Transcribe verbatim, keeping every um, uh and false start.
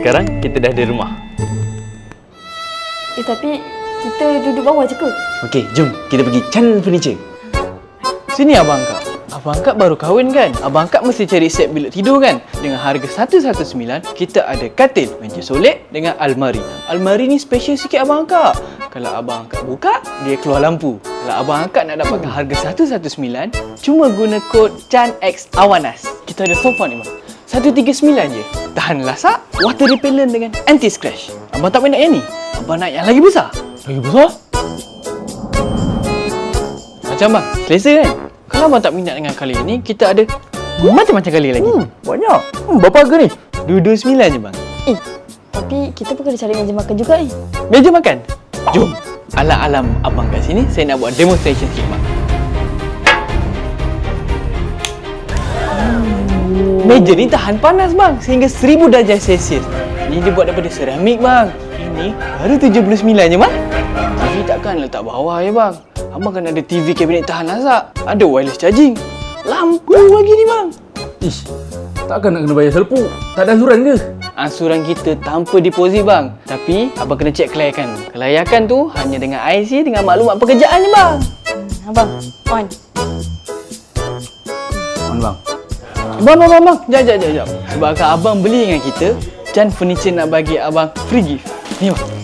sekarang kita dah di rumah. Eh tapi kita duduk bawah je ke? Okey, jom kita pergi Chan Furniture. Sini Abang Kak. Abang Kak baru kahwin kan? Abang Kak mesti cari set bilik tidur kan? Dengan harga seratus sembilan belas, kita ada katil, meja solek dengan almari. Almari ni special sikit Abang Kak. Kalau Abang Kak buka, dia keluar lampu. Kalau Abang Kak nak dapatkan harga seratus sembilan belas, cuma guna kod CHANX AWANAS. Kita ada sofa ni bang. seratus tiga puluh sembilan je. Tahan lasak, water repellent dengan anti scratch. Abang tak nak yang ni? Abang nak yang lagi besar. Lagi besar? Macam bang, selesa kan? Kalau abang tak minat dengan color ni, kita ada macam-macam color lagi. Hmm, banyak. Hmm, berapa harga ni? dua ratus dua puluh sembilan je bang. Eh, tapi kita pun kena cari meja makan juga eh. Meja makan? Jom. Alam-alam abang kat sini, saya nak buat demonstration sikit bang. Meja ni tahan panas bang, sehingga seribu darjah Celsius. Ni dia buat daripada seramik bang. Ini baru tujuh puluh sembilan je bang. T V takkan letak bawah je bang. Abang kan ada T V kabinet tahan lasak. Ada wireless charging. Lampu lagi ni bang. Ish, takkan nak kena bayar selpuk? Tak ada ansuran ke? Ansuran kita tanpa deposit bang. Tapi abang kena cek kelayakan. Kelayakan tu hanya dengan I C dengan maklumat pekerjaan je bang. Hmm, abang, on. On bang. Bang, bang, bang, bang. Jap, jap, jap, jap. Sebab abang beli dengan kita, Chan Furniture nak bagi abang free gift. Ni bang.